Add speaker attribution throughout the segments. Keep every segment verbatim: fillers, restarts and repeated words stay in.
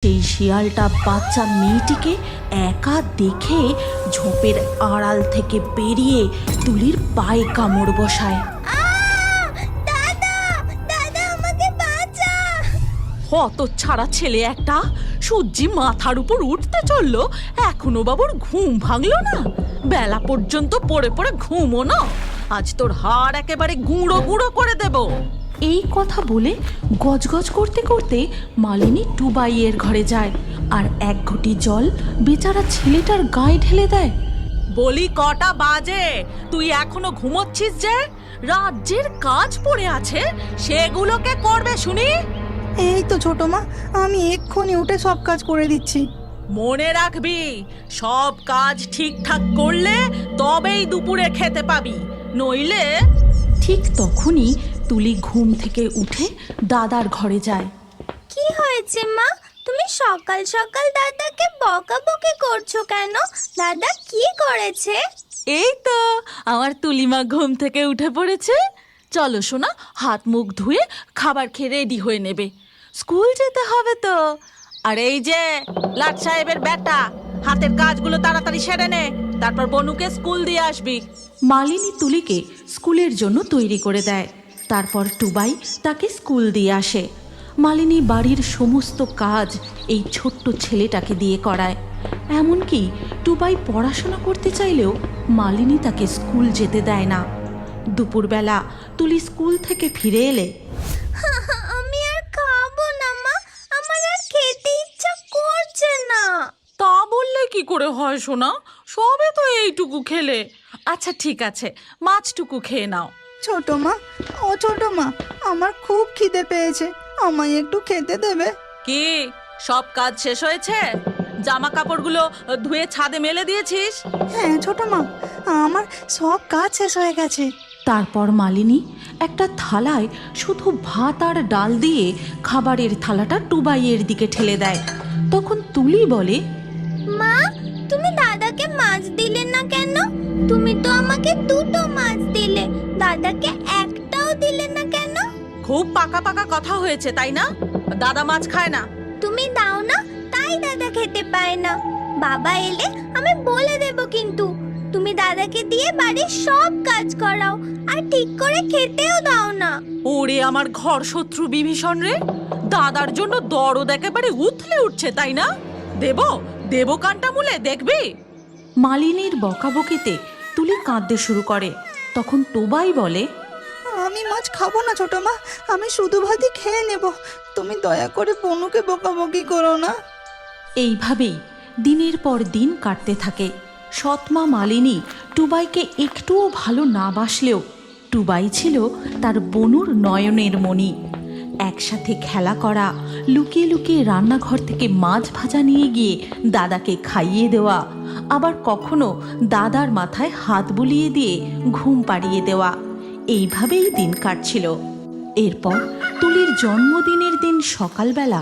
Speaker 1: সেই শিয়ালটা বাচ্চা মেয়েটিকে একা দেখে ঝোপের আড়াল থেকে বেরিয়ে তুলির পায়ে কামড় বসায়। হত ছাড়া ছেলে একটা, সূর্যি মাথার উপর উঠতে চললো, এখনো বাবুর ঘুম ভাঙলো না? বেলা পর্যন্ত পড়ে পড়ে ঘুমো না, আজ তোর হাড় একেবারে গুঁড়ো গুঁড়ো করে দেব। এই কথা বলে গজগজ করতে করতে মালিনী টুবাইয়ের ঘরে যায় আর এক ঘটি জল বেচারা ছেলেটার গায়ে ঢেলে দেয়। বলি কটা বাজে, তুই এখনো ঘুমোচ্ছিস যে? রাজ্যের কাজ পড়ে আছে, সেগুলোকে করবে শুনি।
Speaker 2: এই তো ছোট মা, আমি এক্ষুনি উঠে সব কাজ করে দিচ্ছি।
Speaker 1: মনে রাখবি, সব কাজ ঠিকঠাক করলে তবেই দুপুরে খেতে পাবি, নইলে। ঠিক তখনই তুলি ঘুম থেকে উঠে দাদার ঘরে যায়।
Speaker 3: কি হয়েছে মা, তুমি সকাল সকাল দাদাকে বকাবকি করছো কেন? দাদা কি করেছে?
Speaker 1: এই তো আমার তুলিমা ঘুম থেকে উঠে পড়েছে। চলো সোনা, হাত মুখ ধুয়ে খাবার খেয়ে রেডি হয়ে নেবে, স্কুল যেতে হবে তো। আর এই যে লাট সাহেবের বেটা, হাতের কাজগুলো তাড়াতাড়ি সেরে নে, তারপর বনুকে স্কুল দিয়ে আসবি। মালিনী তুলিকে স্কুলের জন্য তৈরি করে দেয়, তারপর টুবাই তাকে স্কুল দিয়ে আসে। মালিনী বাড়ির সমস্ত কাজ এই ছোট্ট ছেলেটাকে দিয়ে করায়। এমনকি টুবাই পড়াশোনা করতে চাইলেও মালিনী তাকে স্কুল যেতে দেয় না। দুপুরবেলা তুলি স্কুল থেকে ফিরে এলে,
Speaker 3: আমি আর খাবো না মা, আমার আর খেতে ইচ্ছা করছে না।
Speaker 1: তা বললে কি করে হয় সোনা, সবে তো এইটুকু খেলে। আচ্ছা ঠিক আছে, মাছটুকু খেয়ে নাও।
Speaker 2: ছোট মা, ও ছোট মা, আমার খুব খিদে পেয়েছে, আমায় একটু খেতে দেবে?
Speaker 1: কি সব কাজ শেষ হয়েছে? জামা কাপড়গুলো ধুয়ে ছাদে মেলে দিয়েছিস?
Speaker 2: হ্যাঁ ছোট মা, আমার সব কাজ শেষ হয়ে গেছে।
Speaker 1: তারপর মালিনী একটা থালায় শুধু ভাত আর ডাল দিয়ে খাবারের থালাটা টুবাইয়ের দিকে ঠেলে দেয়। তখন তুলি বলে,
Speaker 3: মা, তুমি দাদাকে মাছ দিলে না কেন? তুমি তো আমাকে দুটো মাছ দিলে, দাদাকে একটাও দিলে না কেন?
Speaker 1: খুব পাকা পাকা কথা হয়েছে তাই না? দাদা মাছ খায় না।
Speaker 3: তুমি দাও না, তাই দাদা খেতে পায় না। বাবা এলে আমি বলে দেব কিন্তু। তুমি দাদাকে দিয়ে বাড়ির সব কাজ করাও আর ঠিক করে খেতেও দাও না।
Speaker 1: ওরে আমার ঘর শত্রু বিভীষণ রে, দাদার জন্য দরদ একেবারে উথলে উঠছে তাই না? দেব দেব কানটা মুলে দেখবি। মালিনীর বকাবকিতে তুলি কাঁদতে শুরু করে। তখন টোবাই বলে,
Speaker 2: আমি মাছ খাবো না ছোট মা, আমি শুধু ভাতই খেয়ে নেব, তুমি দয়া করে বনুকে বকাবকি করো না।
Speaker 1: এইভাবেই দিনের পর দিন কাটতে থাকে। সৎমা মালিনী টুবাইকে একটুও ভালো না বাসলেও টুবাই ছিল তার বনুর নয়নের মণি। একসাথে খেলা করা, লুকিয়ে লুকিয়ে রান্নাঘর থেকে মাছ ভাজা নিয়ে গিয়ে দাদাকে খাইয়ে দেওয়া, আবার কখনো দাদার মাথায় হাত বুলিয়ে দিয়ে ঘুম পাড়িয়ে দেওয়া, এইভাবেই দিন কাটছিল। এরপর তুলির জন্মদিনের দিন সকালবেলা,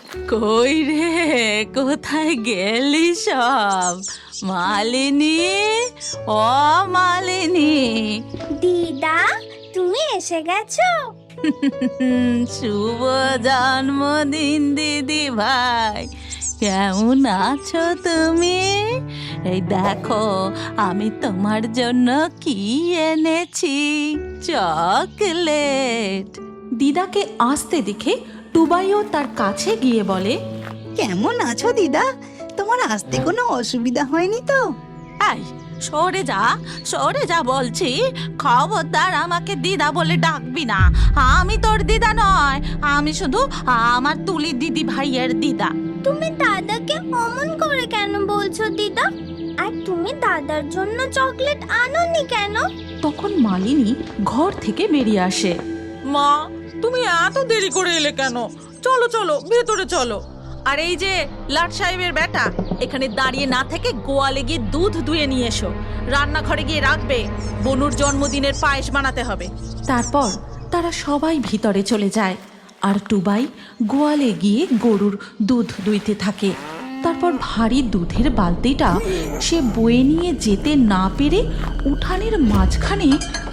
Speaker 1: কই রে, কোথায় গেলি সব? মালিনী, ও মালিনী।
Speaker 3: দিদা, তুমি এসে গেছো?
Speaker 1: শুভ জন্মদিন দিদি ভাই, কেমন আছো তুমি? এই দেখো আমি তোমার জন্য কি এনেছি, চকলেট। দিদাকে আসতে দেখে টুবাইও তার কাছে গিয়ে বলে,
Speaker 2: কেমন আছো দিদা? তোমার আসতে কোনো অসুবিধা হয়নি তো?
Speaker 1: এই সরে যা, সরে যা বলছি, খবরদার আমাকে দিদা বলে ডাকবি না। আমি তোর দিদা নয়, আমি শুধু আমার তুলি দিদি ভাইয়ের দিদা।
Speaker 3: তুমি দাদাকে অমন করে কেন বলছো দিদা? আর তুমি দাদার জন্য চকলেট আনোনি কেন?
Speaker 1: তখন মালিনী ঘর থেকে বেরিয়ে আসে। মা, তুমি এত দেরি করে এলে কেন? চলো চলো ভেতরে চলো। আর এই যে লাট সাহেবের বেটা, এখানে দাঁড়িয়ে না থেকে গোয়ালে গিয়ে দুধ দুয়ে নিয়ে এসো, রান্নাঘরে গিয়ে রাখবে, বনুর জন্মদিনের পায়েস বানাতে হবে। তারপর তারা সবাই ভিতরে চলে যায় আর টুবাই গোয়ালে গিয়ে গরুর দুধ দুইতে থাকে। তারপর ভারী দুধের বালতিটা সে বয়ে নিয়ে যেতে না পেরে উঠানের মাঝখানে